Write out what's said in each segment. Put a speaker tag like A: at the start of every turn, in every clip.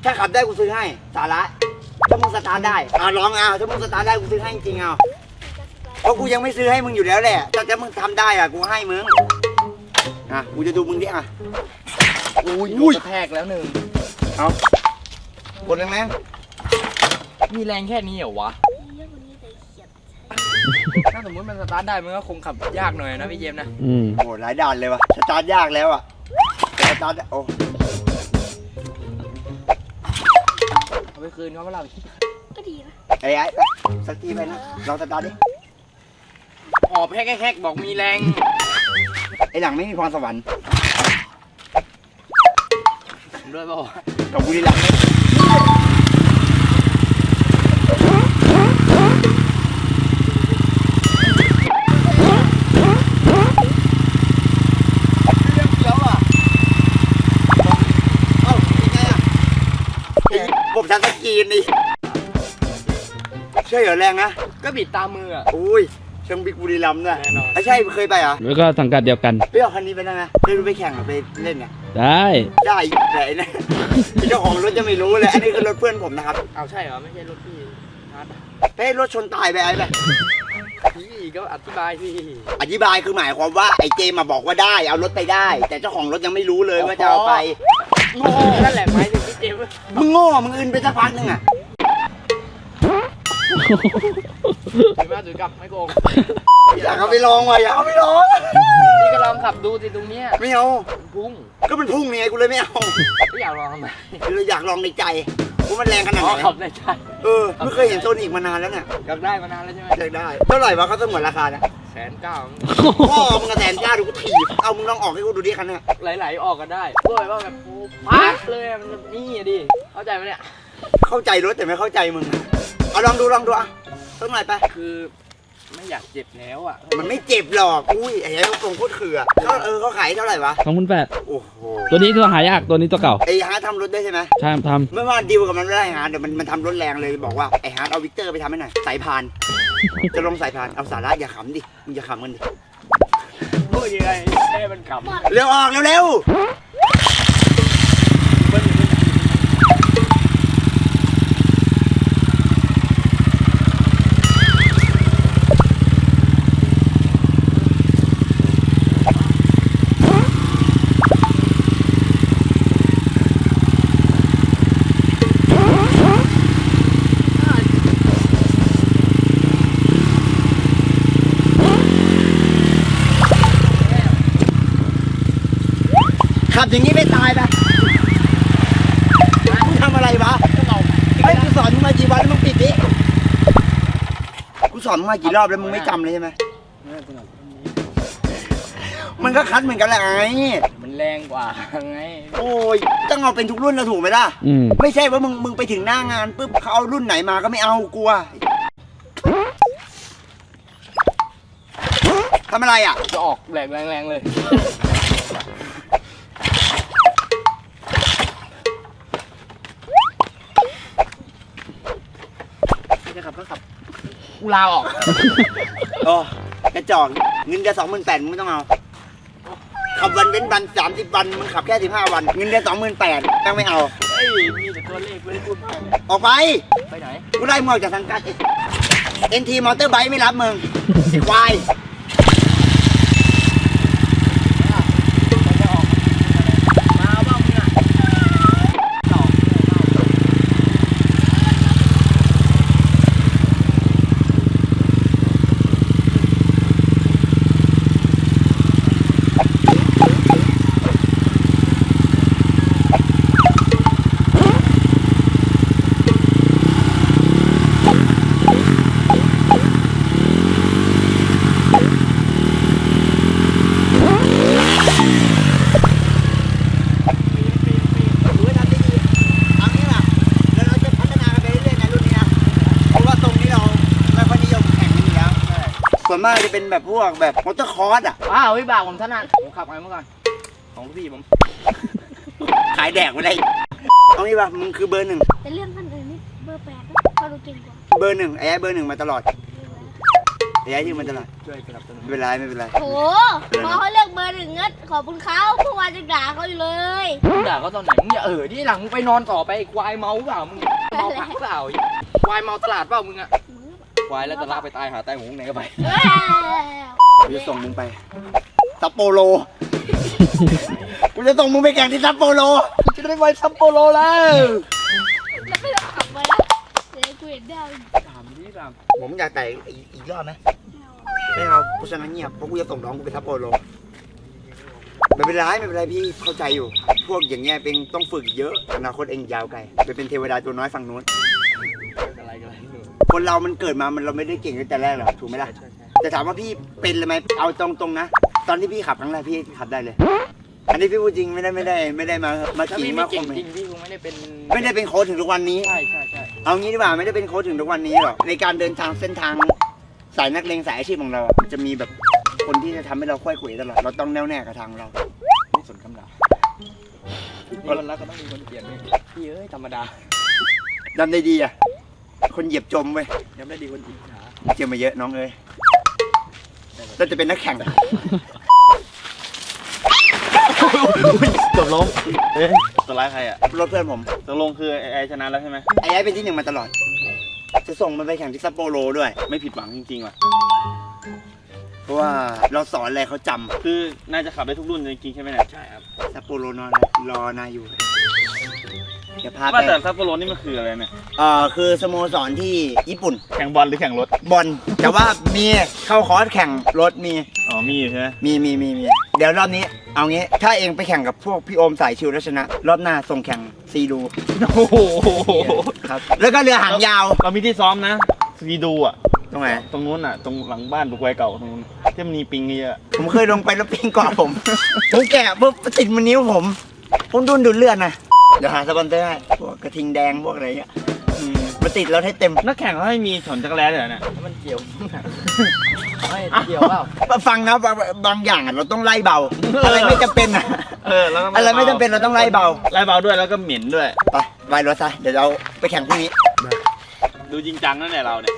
A: ถ้าขับได้กูซื้อให้สาระถ้ามึงสตาร์ทได้ลองเอาถ้ามึงสตาร์ทได้กูซื้อให้จริงเอาเพราะกูยังไม่ซื้อให้มึงอยู่แล้วแหละแต่ถ้ามึงทำได้กูให้มึงกูจะดูมึงดิ
B: อุ้ยกระแทกแล้วหนึ่ง
A: เอากดแรง
B: มีแรงแค่นี้เหรอวะถ้าสมมติมันสตาร์ทได้มันก็คงขับยากหน่อยนะพี่เจมส์นะ
A: โอ้หลายด่านเลยวะสตาร์ทยากแล้วสตาร์ทโอ้
B: เอาไปคืนเขาเปล่า
C: ก็ดีนะ
A: ไอ้สักทีไปนะลองสตาร์ทดิ
B: ออกแค่บอกมีแรง
A: ไอ้หลังไม่มีพรสวรรค์
B: ด้วยเปล่า
A: กับบุรีรัมย์ผมชันสกีนนี่ใช่เหรอแรงนะ
B: ก็บิดตามมือ
A: อุ้ยเชิงบิ๊กบุรีรัมย์ด้วยใช่เคยไปเหรอ
D: แล้วก็สังกัดเดียวกัน
A: ไปเอาคันนี้ไปได้ไหมไปแข่งหรือไปเล่นเนี่ย
D: ได้
A: ไหนนะเจ้าของรถจะไม่รู้เลยอันนี้คือรถเพื่อนผมนะครับ
B: เอาใช่เหรอไม่ใช่รถพี่
A: ไปรถชนตายไปไอ้แบบ
B: พี่ก็อธิบายพี่
A: อธิบายคือหมายความว่าไอ้เจมาบอกว่าได้เอารถไปได้แต่เจ้าของรถยังไม่รู้เลยว่าจะเอาไป
B: โง่นั่นแหละหมายถึงพี่เจม
A: มึงโง่มึงอื่นไปสักพักนึง
B: ถือมาถือกลับไม่โกง
A: อยากเอาไปลองว่ะอยากเอาไปลอง
B: พี่ก็ลองขับดูสิตรงเนี้ย
A: ไม่เอา
B: พุ่ง
A: ก็มันพุ่งไงกูเลยไม่เอา
B: ไม่อยากลองทำไม
A: คืออยากลองในใจกูมันแรงขนาดไหน
B: ขับในใจ
A: ไม่เคยเห็นโซนอีกมานานแล้วเนี่ย
B: อยากได้มานานแล้วใช่ไหม
A: อยากได้เท่าไหร่วะเขาสมวนราคาเนี่ย
B: 190,000
A: พ่อมึงกระ190,000ดูกูถีบเอามึงลองออกให้กูดูดิคันนี้
B: ไหลออกกันได้ด้วยว่าแบบพักเลยมันนี่ดิเข้าใจไหมเนี่ย
A: เข้าใจรถแต่ไม่เข้าใจมึงเอาลองดูต้องไหนไป
B: คือไม่อยากเจ็บแล้ว
A: มันไม่เจ็บหรอกอุ้ยไอ้เหี้ยตรงโคตรเขื่อเขาขายเท่าไหร่วะ
D: 28,000
A: โอ้โห
D: ตัวนี้ตัวหายากตัวนี้ตัวเก่า
A: ไอ้ฮาร์ดทำรถได้ใช่ไหม
D: ใช่ทำ
A: เมื่อวานดีลกับมันไม่ได้ฮาร์ดเดี๋ยวมันทำรถแรงเลยบอกว่าไอ้ฮาร์ดเอาวิกเตอร์ไปทำให้หน่อยสายพานจะลงสายพานเอาสาระอย่าขำดิมึงอย่าขำกันดิ
B: พูดยังไงแค่มันขำ
A: เร็วออกเร็วขับอย่างนี้ไม่ตายปะมึงทำอะไรวะไอ้กูสอนมึงมากี่วันแล้วมึงปิดดิกูสอนมึงมากี่รอบแล้วมึงไม่จำเลยใช่ไหมมันก็คัดเหมือนกันแหละไง
B: มันแรงกว่าไง
A: โอ้ยต้องเอาเป็นทุกรุ่นแล้วถูกไหมล่ะไม่ใช่ว่ามึงไปถึงหน้างานปุ๊บเขาเอารุ่นไหนมาก็ไม่เอากลัวทำอะไร
B: จะออกแรงเลยจะขับก็ขับกูลาออก
A: กระจอกเงินเดือน28,000มึงไม่ต้องเอาขับวันเว้นวัน30 วันมึงขับแค่15 วันเงินเดือน28,000ยังไม่เอา
B: มีแต่ตัวเลขไม่ได้พูด
A: ออกไป
B: ไหน
A: กูไล่มึงออกจากสังกัดNT มอเตอร์ไบค์ไม่รับมึงไอ้ควายส่วนมากจะเป็นแบบพวกแบบมอเตอร์คอร์ส
B: วิบากผมถนัดผมขับไงเมื่อก่อนของพี่ผม
A: ขายแดกไปเลยเอางี้ป่ะมึงคือเบอร์ 1
C: แต่เรื่องท่านอื่นนี่เบอร์8เขาดูเก่งกว่า
A: เบอร์ 1ไอ้เบอร์ 1มาตลอดย้ายที่มันตลอด
B: ช่วยสนับสนุน
A: ไม่เป็นไรไม่เป็นไร
C: โหพอเขาเลือกเบอร์หนึ่งเงี้ยขอบคุณเขาเมื่อวานจะด่าเขาอยู่เลย
B: มึงด่าเขาตอนไหนมึงอย่าที่หลังมึงไปนอนต่อไปไอ้ควายเมาเปล่ามึงเมาพักเปล่าควายเมาตลาดเปล่ามึงอะควายแล้วจะลากไปตายหาตายหงไหนก็ไป
C: เอ้ย
A: กูจะส่งมึงไปซัปโปโร กูจะส่งมึงไปแข่งที่ซัปโปโร
B: จะได้ไปซัปโปโรแล้ว
C: แล้วไม่ต้องขับมาแล้วเดี๋ยวกูเห็นดาว
B: ถามดิถาม
A: ผมอยากแต่อีกรอบไหมไม่เอาเพราะฉะนั้นเงียบเพราะกูจะส่งน้องกูไปซัปโปโรไม่เป็นไรไม่เป็นไรพี่เข้าใจอยู่ พวกอย่างเงี้ยเป็นต้องฝึกเยอะอนาคตเองยาวไกลไปเป็นเทวดาตัวน้อยฝั่งนู้น
B: อะไรกันอะไรหนู
A: คนเรามันเกิดมามันเราไม่ได้เก่งตั้งแต่แรกหรอกถูกไหมล่ะ
B: ใช่
A: แต่ถามว่าพี่เป็นเลยไหมเอาตรงๆนะตอนที่พี่ขับครั้งแรกพี่ขับได้เลย อันนี้พี่พูดจริงไม่ได้มา
B: ถ้า
A: ขิง
B: พี่
A: มา
B: ไม่
A: ค
B: เก่ง
A: ม
B: จริงพี่คงไม่ได้เป็น
A: ไม่ได้เป็นโค้ชถึงทุกวันนี้
B: ใช่
A: เอางี้ดีกว่าไม่ได้เป็นโค้ชถึงทุกวันนี้หรอกในการเดินทางเส้นทางสายนักเลงสายอาชีพของเราอะมันจะมีแบบคนที่จะทำให้เราค่อยเขวตลอดเราต้องแน่วแน่กับทางเรา
B: ไม่สนคำด่ามีคนรักก็ต้องมีคนเกลียดด้วยพี่เอ้ยธรรมดา
A: ดำได้ดีอ่ะคนเหยียบจมเว้ย
B: ยังไม่ดีคนอิจฉา
A: เจอมาเยอะน้องเอ้ยเราจะเป็นนักแข่ง
E: เกือบล้มเอ๊ะตัวร้ายใครอ่ะ
A: รถเพื่อนผม
E: ตกลงคือไอชนะแล้วใช่ไหม
A: ไอ้เป็นที่หนึ่งมาตลอด จะส่งมันไปแข่งที่ซัปโปโรด้วย
E: ไม่ผิดหวังจริงๆว่ะ
A: เพราะว่าเราสอนอะไรเขาจำ
E: คือน่าจะขับได้ทุกรุ่นจริงๆใช่ไหมเนี่ย
B: ใช่ครับ
A: ซัปโปโรรอนายอยู่เดี๋ยวพาไป
E: ว่าแต่ซัปโปโรนี่มันคืออะไรเนี่ย
A: คือสโมสรที่ญี่ปุ่น
E: แข่งบอลหรือแข่งรถ
A: บอลแต่ว่ามีเข้าคอร์สแข่งรถมี
E: อ๋อมีอยู่ใช่ไหม
A: มีเดี๋ยวรอบนี้เอางี้ถ้าเองไปแข่งกับพวกพี่โอมสายชิวแล้วชนะ รอบหน้าส่งแข่งซีดู
E: โอ้โห
A: ครับแล้วก็เรือหางยาว
E: เรามีที่ซ้อมนะซีดูอ่ะ
A: ตรงไหน
E: ตรงนู้นอ่ะ ตรงหลังบ้านบุกไวเก่าตรงนู้นที่มันมีปิงเยอะ
A: ผมเคยลงไปแล้วปิงเกาะผม ผมแกะปุ๊บติดมันนิ้วผมดุนดูดเลือดนะเดี๋ยวหาสปอนเซอร์ให้พวกกระทิงแดงพวกอะไรเงี้ยมาติดแล้วให้เต็ม
E: นักแข่งเขาให้มีถอนจักรแล้เลยเหรอเนี่ย
B: แล้วมันเกี่ยวไม่เกี่ยวเปล่า
A: ฟังนะบางอย่างอะเราต้องไล่เบา อะไรไม่จำเป็นอะ
E: แล้วก็
A: อะไรไม่จำเป็นเราต้องไล่เบา
E: ไล่เบาด้วยแล้วก็เหม็นด้วย
A: ไปไวรถซะเดี๋ยวเราไปแข่งพรุ่งนี้
E: ดูจริงจังนั่นแหละเราเนี่ย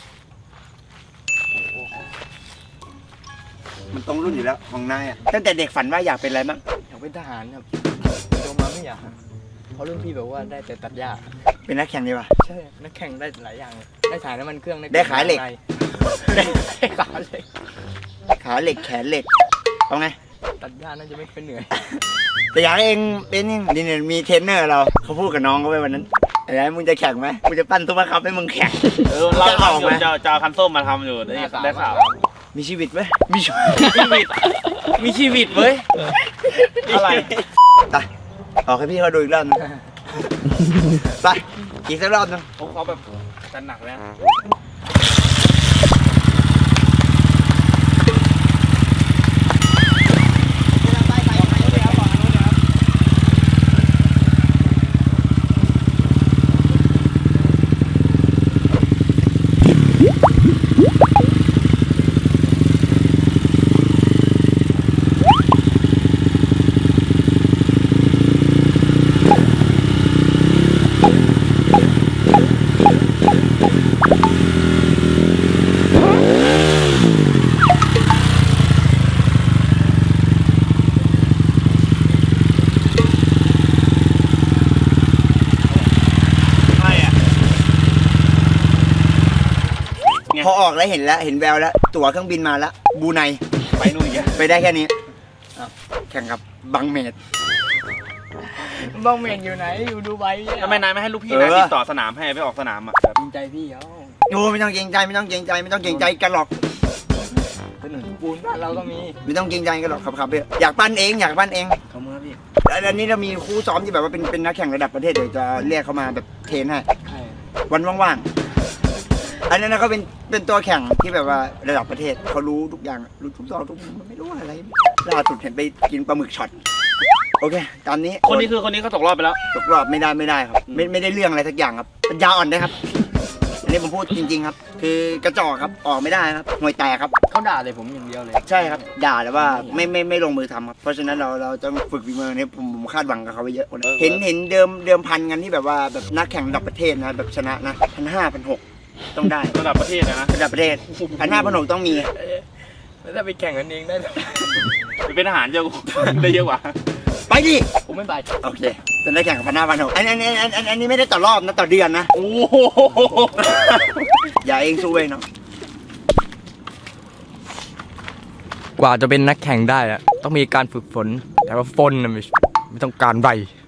A: มันตรงรุ่นอยู่แล้วของนายอะตั้งแต่เด็กฝันว่าอยากเป็นอะไรบ้าง
B: อยากเป็นทหารครับโตมาไม่อยากเพราะรุ่นพี่บอกว่าได้แต่ตัดหญ้า
A: เป็นนักแข่งดีกว่า
B: ใช่นักแข่งได้หลายอย่างได้ขายน้ำมันเครื่อง
A: ได้ขายเหล็ก
B: ได้ขายเหล็ก
A: ขาเหล็กแขนเหล็กเอาไง
B: ตัดหญ้าน่าจะไม่เป็นเหนื่อย
A: แต่อยากให้เองเป็นนี่เนี่ยมีเทรนเนอร์เราเขาพูดกับน้องเขาไปวันนั้นอะไรมึงจะแข่งไหมกูจะปั้นซุปเปอร์คัพให้มึงแข่ง
E: เรา
A: จะออกไหม
E: จะเอาคันส้มมาทำอยู่ได้ข่าว
A: มีชีวิตไหมมีชีวิต
E: มีชีวิตเว้ย อะไร
A: ไปออกให้พี่เขาดูอีกรอบนึงไปอีกสักรอบนึง
E: เขาแบบจัดหนักเลยนะ
A: พอออกแล้วเห็นแล้วเห็นแววแล้วตั๋วเครื่องบินมาแล้วบูไน
E: ไปนู่นอีกอะ
A: ไปได้แค่นี้แข่งกับบังเมด
B: บ้องเมนอยู่ไหนอยู่ดูไบเนี่ย
E: ทำไมนายไม่ให้ลูกพี่นายติดต่อสนามให้ไปออกสนามอ่ะ
B: จริงใจพี่เขา
A: โอ้ไม่ต้องเกรงใจไม่ต้องเกรงใจไม่ต้องเกรงใจกันหรอก
B: ถนนปูนบ้านเราก็มี
A: ไม่ต้องเกรงใจกันหรอกครับพี่อยากปั้นเองอยากปั้นเอง
B: เขาเมื่อพี่
A: แล้วอันนี้เรามีคู่ซ้อมที่แบบว่าเป็นนักแข่งระดับประเทศเดี๋ยวจะเรียกเขามาแบบเทรนให้
B: ใช่
A: วันว่างๆอันนั้นนะเขาเป็นตัวแข่งที่แบบว่าระดับประเทศเขารู้ทุกอย่างรู้ทุกซอกทุกมุมมันไม่รู้อะไรล่าสุดเห็นไปกินปลาหมึกช็อตโอเคตามนี้
E: คนนี้เขาตกรอบไปแล้ว
A: ตกรอบไม่ได้ครับไม่ได้เรื่องอะไรสักอย่างครับปัญญาอ่อนนะครับ อันนี้ผมพูดจริงๆครับ คือกระจอกครับออกไม่ได้ครับห่วยแตกครับ
B: เขาด่าเลยผมอย่างเดียวเลย
A: ใช่ครับด่าแต่ว่าไม่ลงมือทำครับเพราะฉะนั้นเราต้องฝึกฝีมือเนี่ยผมคาดหวังกับเขาไปเยอะกว่านั้นเห็นเดิมพันกันที่แบบว่าแบบนักแข่งระดับประเทศนะแบบชนะนะ1,500 1,600 ต้องได้
E: ระดับประเทศนะ
A: ระดับประเทศพันห้าพันหกต้องมี
B: แล้วถ้าไปแข่งกันเองได้เหรอ
E: ไปเป็นทหารเยอะได้เยอะกว่า
A: ไปดิ
B: ผมไม่ไป
A: โอเคจะได้แข่งกับพันห้าพันหกอันนี้ไม่ได้ต่อรอบนะต่อเดือนนะ
E: โอ้โห
A: อย่าเองสู้เองเนาะ
B: กว่าจะเป็นนักแข่งได้อะต้องมีการฝึกฝน แต่ว่าฝนน่ะไม่ต้องการใบ